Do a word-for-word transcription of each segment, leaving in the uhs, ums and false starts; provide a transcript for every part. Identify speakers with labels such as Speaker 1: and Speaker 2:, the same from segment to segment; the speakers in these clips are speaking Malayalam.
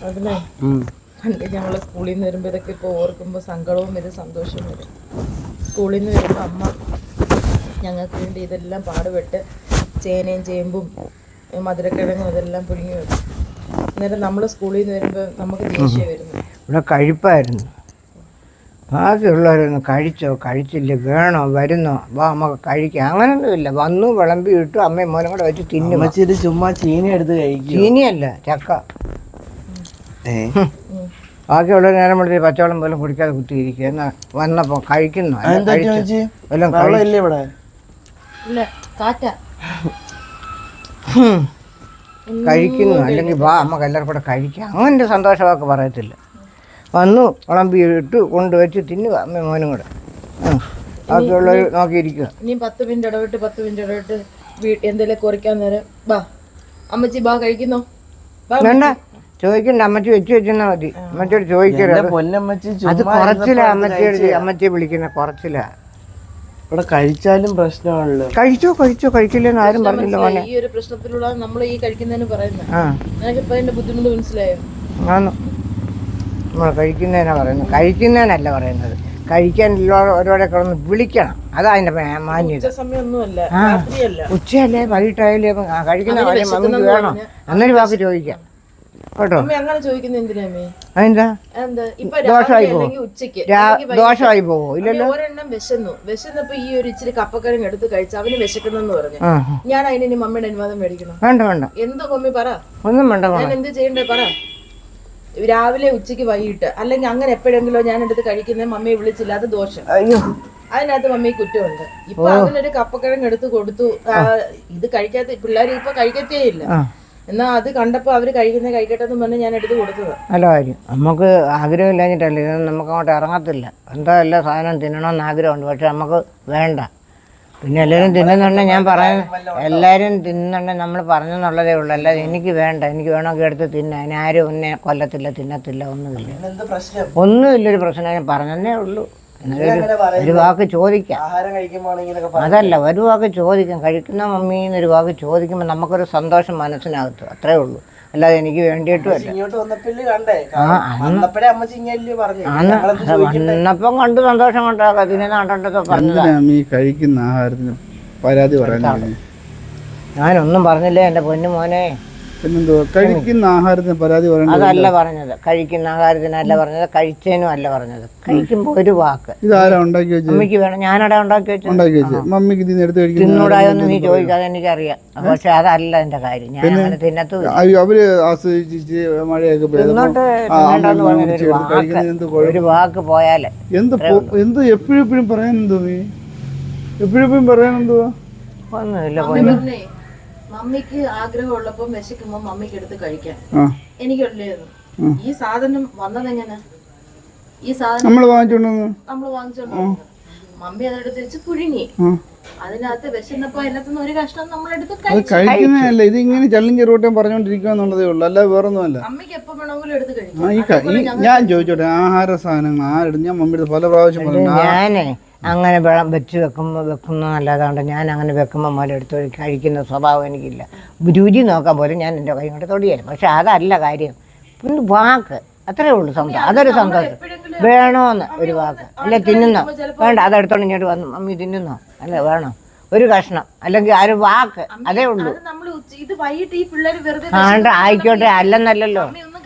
Speaker 1: അതിനെ പണ്ട് ഞങ്ങൾ സ്കൂളിൽ നിന്ന് വരുമ്പോൾ ഇതൊക്കെ ഇപ്പോൾ ഓർക്കുമ്പോൾ സങ്കടവും വരും സന്തോഷവും വരും. സ്കൂളിൽ നിന്ന് വരുമ്പോൾ അമ്മ ഞങ്ങൾക്ക് വേണ്ടി ഇതെല്ലാം പാടുപെട്ട് ചേനയും ചേമ്പും മധുരക്കിഴങ്ങും ഇതെല്ലാം പുഴുങ്ങി വെക്കും. അന്നേരം നമ്മൾ സ്കൂളിൽ നിന്ന് വരുമ്പോൾ നമുക്ക് ദേഷ്യം വരുന്നു.
Speaker 2: ഇവിടെ കഴിപ്പായിരുന്നു. ബാക്കിയുള്ളവരൊന്നും കഴിച്ചോ കഴിച്ചില്ല വേണോ വരുന്നോ വാ നമുക്ക് കഴിക്കാം അങ്ങനൊന്നുമില്ല. വന്നു വിളമ്പി ഇട്ടു അമ്മയും മോനും കൂടെ വെച്ച് തിന്നും.
Speaker 3: ചുമ്മാ ചീനി എടുത്ത് കഴിക്കും.
Speaker 2: ചീനിയല്ല ചക്ക. ബാക്കിയുള്ളവർ നേരം വിളിച്ച് പച്ചവെള്ളം പോലും കുടിക്കാതെ കുത്തിയിരിക്കുക. എന്നാ വന്നപ്പോൾ കഴിക്കുന്നു കഴിക്കുന്നു അല്ലെങ്കിൽ വാ നമുക്ക് എല്ലാവരും കൂടെ കഴിക്കാം അങ്ങനെ സന്തോഷമൊക്കെ പറയത്തില്ല. വന്നു വിളമ്പി ഇട്ട് കൊണ്ടുവച്ച് തിന്നുക അമ്മയും മോനും കൂടെ. ബാക്കിയുള്ളവർ നോക്കിയിരിക്കുക.
Speaker 1: ഇനി പത്ത് മിനിറ്റ് ഇടവിട്ട് പത്ത് മിനിറ്റ് ഇടവിട്ട് എന്തെങ്കിലും കുറിക്കാൻ നേരം ബാ അമ്മച്ചി ബാ കഴിക്കുന്നോ
Speaker 2: വേണ്ട ചോദിക്കണ്ട. അമ്മച്ചി വെച്ച് വെച്ചെന്നാ മതി. അമ്മച്ചിയോട് ചോദിക്കരുത്. അത് കുറച്ചില്ല. അമ്മച്ചിയോട് അമ്മച്ചിയെ വിളിക്കുന്ന കുറച്ചില്ല.
Speaker 3: ഇവിടെ കഴിച്ചാലും പ്രശ്നമാണല്ലോ.
Speaker 2: കഴിച്ചോ കഴിച്ചോ കഴിക്കില്ലെന്ന് ആരും പറഞ്ഞില്ല മോനെ.
Speaker 1: ഈ ഒരു പ്രശ്നത്തിലുള്ള നമ്മൾ ഈ കഴിക്കുന്നതിന് പറയുന്നത് നിനക്കിപ്പോ അതിന്റെ ബുദ്ധിമുട്ട് മനസ്സിലായോ?
Speaker 2: ആന്ന് നമ്മൾ കഴിക്കുന്നതിനാ പറയുന്നത്, കഴിക്കുന്നതിനല്ല പറയുന്നത്. കഴിക്കാൻ ഓരോടെ കിടന്ന് വിളിക്കണം. അതാ അതിന്റെ മാന്യത. ഉച്ചയല്ലേ വൈകിട്ടായാലേ കഴിക്കുന്ന കാര്യം മമ്മിക്ക് വേണം എന്നൊരു വാക്ക് ചോദിക്കാം കേട്ടോ. അതെന്താ ദോഷമായി പോകും? ദോഷമായി പോവോ? ഇല്ലല്ലോ.
Speaker 1: ഒരെണ്ണം വിശന്നു വിശന്നപ്പോ ഈ ഒരു ഇച്ചിരി കപ്പക്കരങ്ങ് എടുത്ത് കഴിച്ചു. അവന് വിശക്കുന്നെന്ന് പറഞ്ഞു. ഞാൻ അതിന് മമ്മിയുടെ അനുവാദം മേടിക്കണം?
Speaker 2: വേണ്ട വേണ്ട.
Speaker 1: എന്തോ മമ്മി പറ.
Speaker 2: ഒന്നും വേണ്ട.
Speaker 1: ഞാൻ എന്ത് ചെയ്യണ്ടേ പറ. രാവിലെ ഉച്ചക്ക് വൈകിട്ട് അല്ലെങ്കിൽ അങ്ങനെ എപ്പോഴെങ്കിലോ ഞാൻ എടുത്ത് കഴിക്കുന്നത് മമ്മിയെ വിളിച്ചില്ല, അത് ദോഷം. അതിനകത്ത് മമ്മി കുറ്റമുണ്ട്. ഇപ്പൊ അതിനൊരു കപ്പക്കിഴങ്ങ് എടുത്ത് കൊടുത്തു. ഇത് കഴിക്കാത്ത പിള്ളേർ ഇപ്പൊ കഴിക്കത്തേ ഇല്ല. എന്നാ അത് കണ്ടപ്പോ അവര് കഴിക്കുന്ന കഴിക്കട്ടെ എന്ന് പറഞ്ഞ് ഞാൻ എടുത്ത് കൊടുത്തത്.
Speaker 2: നല്ല കാര്യം. നമുക്ക് ആഗ്രഹം ഇല്ലാഞ്ഞിട്ടല്ല. ഇത് നമുക്ക് അങ്ങോട്ട് ഇറങ്ങത്തില്ല. എന്താ എല്ലാ സാധനം തിന്നണമെന്ന് ആഗ്രഹമുണ്ട്, പക്ഷെ നമുക്ക് വേണ്ട. പിന്നെ എല്ലാവരും തിന്നുന്നുണ്ടെ ഞാൻ പറയുന്നത് എല്ലാവരും തിന്നുന്നുണ്ടെ നമ്മൾ പറഞ്ഞെന്നുള്ളതേ ഉള്ളൂ. അല്ലാതെ എനിക്ക് വേണ്ട, എനിക്ക് വേണമെങ്കിൽ എടുത്ത് തിന്ന. അതിന് ആരും ഒന്നെ കൊല്ലത്തില്ല, തിന്നത്തില്ല, ഒന്നുമില്ല. ഒന്നുമില്ലൊരു പ്രശ്നം ഞാൻ പറഞ്ഞതേ ഉള്ളൂ. ഒരു വാക്ക് ചോദിക്കാം. അതല്ല, ഒരു വാക്ക് ചോദിക്കാം. കഴിക്കുന്ന മമ്മി എന്നൊരു വാക്ക് ചോദിക്കുമ്പോൾ നമുക്കൊരു സന്തോഷം മനസ്സിനകത്ത്, അത്രേ ഉള്ളൂ. അല്ലാതെ എനിക്ക് വേണ്ടിയിട്ടും അല്ല. വന്നപ്പം കണ്ട് സന്തോഷം കൊണ്ടാക്കാം. ഇതിനെ നാട്ടോട്ടൊക്കെ പറഞ്ഞതാ.
Speaker 4: കഴിക്കുന്ന ആഹാരത്തിന് പരാതി പറയാൻ
Speaker 2: ഞാനൊന്നും പറഞ്ഞില്ലേ എൻ്റെ പൊന്നു മോനെ.
Speaker 4: കഴിക്കുന്ന ആഹാരത്തിന് പരാതി പറയണ്ട.
Speaker 2: അതല്ല പറഞ്ഞത്. കഴിക്കുന്ന ആഹാരത്തിനല്ല പറഞ്ഞത്, കഴിച്ചതിനും അല്ല പറഞ്ഞത്. കഴിക്കുമ്പോൾ ഒരു വാക്ക്.
Speaker 4: ഇതാരാ ഉണ്ടാക്കി വെച്ചത്?
Speaker 2: മമ്മിക്ക് വേണം. ഞാനവിടെ ഉണ്ടാക്കി വെച്ചു.
Speaker 4: ഉണ്ടാക്കി വെച്ചത് മമ്മിക്ക്
Speaker 2: തിന്നൂടായൊന്നും നീ ചോദിക്കാതെ എനിക്കറിയാം. പക്ഷെ അതല്ല എന്റെ കാര്യം. ഞാൻ അങ്ങനെ തിന്നത്തു.
Speaker 4: അവര് ആസ്വദിച്ച് മഴയൊക്കെ
Speaker 2: ഒരു വാക്ക് പോയാലേ
Speaker 4: എന്ത് എന്ത് എപ്പോഴും എപ്പോഴും പറയാൻ എന്തോ നീ എപ്പോഴും എപ്പോഴും പറയാൻ എന്തുവാ?
Speaker 2: ഒന്നുമില്ല.
Speaker 1: മമ്മിക്ക് ആഗ്രഹമുള്ളപ്പോ വിശക്കുമ്പോ മമ്മിക്ക് എടുത്ത് കഴിക്കാൻ എനിക്കുള്ളായിരുന്നു. ഈ സാധനം വന്നതെങ്ങനെ? ഈ സാധനം
Speaker 4: നമ്മള് വാങ്ങിച്ചോണ്ട്
Speaker 1: നമ്മള് വാങ്ങിച്ചോണ്ട് മമ്മി അതെടുത്ത് വെച്ച് പുഴുങ്ങി. അതിനകത്ത് വിശന്നപ്പോ അതിനകത്തുനിന്ന് ഒരു കഷ്ണം നമ്മളെടുത്ത്
Speaker 4: കഴിക്കുന്നതല്ല. ഇത് ഇങ്ങനെ ചള്ളും ചെറുവട്ടം പറഞ്ഞോണ്ടിരിക്കുക എന്നുള്ളതേ ഉള്ളൂ, അല്ല വേറൊന്നുമല്ല.
Speaker 1: അമ്മയ്ക്ക് എപ്പോ വേണമെങ്കിലും എടുത്ത് കഴിക്കും.
Speaker 4: ഞാൻ ചോദിച്ചോട്ടെ, ആഹാര സാധനങ്ങൾ ആരെടുത്ത്? ഞാൻ മമ്മിയുടെ പല പ്രാവശ്യം പറഞ്ഞു.
Speaker 2: ഞാനേ അങ്ങനെ വെള്ളം വെച്ച് വെക്കുമ്പോൾ വെക്കുന്ന നല്ലതാണ്ട് ഞാൻ അങ്ങനെ വെക്കുമ്പോൾ മുതൽ എടുത്ത് കഴിക്കുന്ന സ്വഭാവം എനിക്കില്ല. രുചി നോക്കാൻ പോലും ഞാൻ എൻ്റെ കൈ കൊണ്ട് തൊടിയാലും. പക്ഷെ അതല്ല കാര്യം. ഒന്ന് വാക്ക്, അത്രേ ഉള്ളൂ സന്തോഷം. അതൊരു സന്തോഷം. വേണോന്ന് ഒരു വാക്ക്. അല്ലെ തിന്നുന്നോ? വേണ്ട, അതെടുത്തോണ്ട് ഇങ്ങോട്ട് വന്നു. മമ്മി തിന്നുന്നോ? അല്ല വേണോ? ഒരു കഷ്ണം അല്ലെങ്കിൽ ആ ഒരു വാക്ക്, അതേ ഉള്ളൂ. ആണ്ട് ആയിക്കോട്ടെ, അല്ലെന്നല്ലല്ലോ.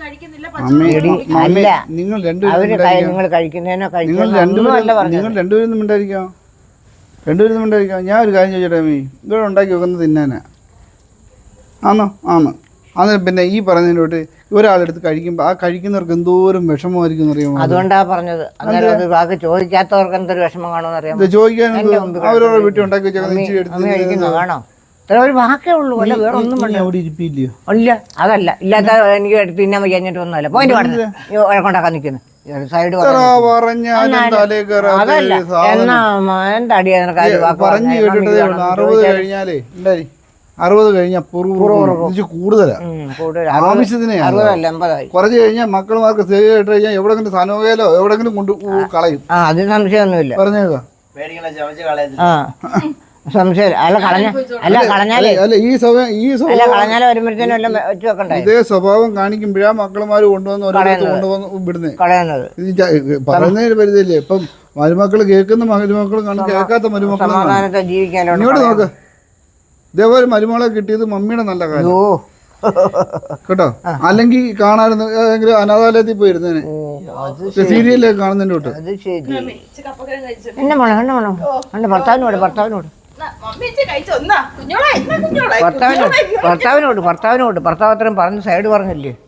Speaker 2: അല്ല,
Speaker 4: നിങ്ങൾ
Speaker 2: അവര് നിങ്ങൾ കഴിക്കുന്നതിനോ കഴിക്കുന്നതിനോ
Speaker 4: നിങ്ങൾ രണ്ടുപേരും മിണ്ടായിരിക്കാം. രണ്ടുപേരും മിണ്ടായിരിക്കാം. ഞാൻ ഒരു കാര്യം ചോദിച്ചോട്ടെ മീ, ഇവിടെ ഉണ്ടാക്കി വെക്കുന്നത് തിന്നാനാ ആണോ? ആണോ? അത് പിന്നെ ഈ പറഞ്ഞതിനോട്ട് ഒരാളെടുത്ത് കഴിക്കുമ്പോൾ ആ കഴിക്കുന്നവർക്ക് എന്തോരം വിഷമമായിരിക്കും അറിയാമോ?
Speaker 2: അതുകൊണ്ടാ പറഞ്ഞത്. അന്നേരം വാക്ക് ചോദിക്കാത്തവർക്ക് എന്തൊരു വിഷമം കാണുമെന്ന് അറിയാം.
Speaker 4: ചോദിക്കാൻ അവരോട് വീട്ടിൽ ഉണ്ടാക്കി വെച്ചാൽ
Speaker 2: വേണോ? ഇത്ര ഒരു വാക്കേ ഉള്ളൂ. അല്ല വേറെ ഒന്നും
Speaker 4: അവിടെ ഇരിപ്പില്ലയോ?
Speaker 2: ഇല്ല, അതല്ല. ഇല്ലാത്ത എനിക്ക് എടുത്ത് തിന്നാൻ കഴിഞ്ഞിട്ട് ഒന്നുമല്ല. പോയിന്റ് പാടുന്നത് വഴക്കുണ്ടാക്കാൻ നിൽക്കുന്നു സൈഡ്. അതല്ല എന്നാ എന്താ അടിയാ
Speaker 4: പറഞ്ഞു കേട്ടിട്ടേ ഉള്ളൂ. അറുപത് കഴിഞ്ഞാലേ ഉണ്ടായി. അറുപത് കഴിഞ്ഞാൽ കൂടുതലാ. ആവശ്യത്തിന് കുറച്ച് കഴിഞ്ഞാൽ മക്കളുമാർക്ക് സേവ് ഇട്ട് കഴിഞ്ഞാൽ എവിടെങ്കിലും സനോകയിലോ എവിടെങ്കിലും കൊണ്ട് കളയും.
Speaker 2: അത് സംശയമൊന്നുമില്ല.
Speaker 4: പറഞ്ഞേക്കാ
Speaker 2: സംശയം അല്ല കളഞ്ഞ അല്ല കളഞ്ഞാലേ
Speaker 4: അല്ല ഈ സ്വഭാവം ഈ
Speaker 2: അല്ല
Speaker 4: സ്വഭാവം
Speaker 2: കളഞ്ഞാലും വരുമ്പോഴത്തേനും എല്ലാം വെച്ച് വെക്കണ്ടേ
Speaker 4: ഇതേ സ്വഭാവം കാണിക്കുമ്പോഴാ മക്കളുമാര് കൊണ്ടുവന്ന് ഓരോരുത്തർ കൊണ്ടുവന്ന് വിടുന്നത്.
Speaker 2: കളയുന്നത്
Speaker 4: ഇത് ച- പറയുന്നതിന് പരിധിയില്ലേ? ഇപ്പം മരുമക്കൾ കേൾക്കുന്ന മരുമക്കൾ കാണും, കേൾക്കാത്ത മരുമക്കൾ
Speaker 2: സമാധാനത്തെ ജീവിക്കാനോ
Speaker 4: ഇങ്ങോട്ട് നോക്ക്. ഇതേപോലെ മരുമകളെ കിട്ടിയത് മമ്മിയുടെ നല്ല കാര്യം
Speaker 2: ഓ
Speaker 4: കേട്ടോ. അല്ലെങ്കിൽ കാണാറുണ്ട് ഏതെങ്കിലും അനാഥാലയത്തിൽ പോയിരുന്നേനെ,
Speaker 2: അത്
Speaker 4: സീരിയലൊക്കെ കാണുന്നതിന്റെ തൊട്ട്.
Speaker 2: അത് ശരി
Speaker 1: ഇച്ചി കപ്പക്കിഴങ്ങ് കഴിച്ചു.
Speaker 2: എന്നെ മോളെ എന്നെ മോളെ എൻ്റെ ഭർത്താവിനോട് ഭർത്താവിനോട്
Speaker 1: എന്നാ, മമ്മി ഇച്ചി കഴിച്ചോ? എന്നാ കുഞ്ഞോളെ, എന്നാ കുഞ്ഞോളെ,
Speaker 2: ഭർത്താവിനോട്
Speaker 1: കുഞ്ഞോളെ, എന്നാ
Speaker 2: ഭർത്താവിനോട് ഭർത്താവിനോട് ഭർത്താവ് അത്രയും പറഞ്ഞ് സൈഡ് പറഞ്ഞില്ലേ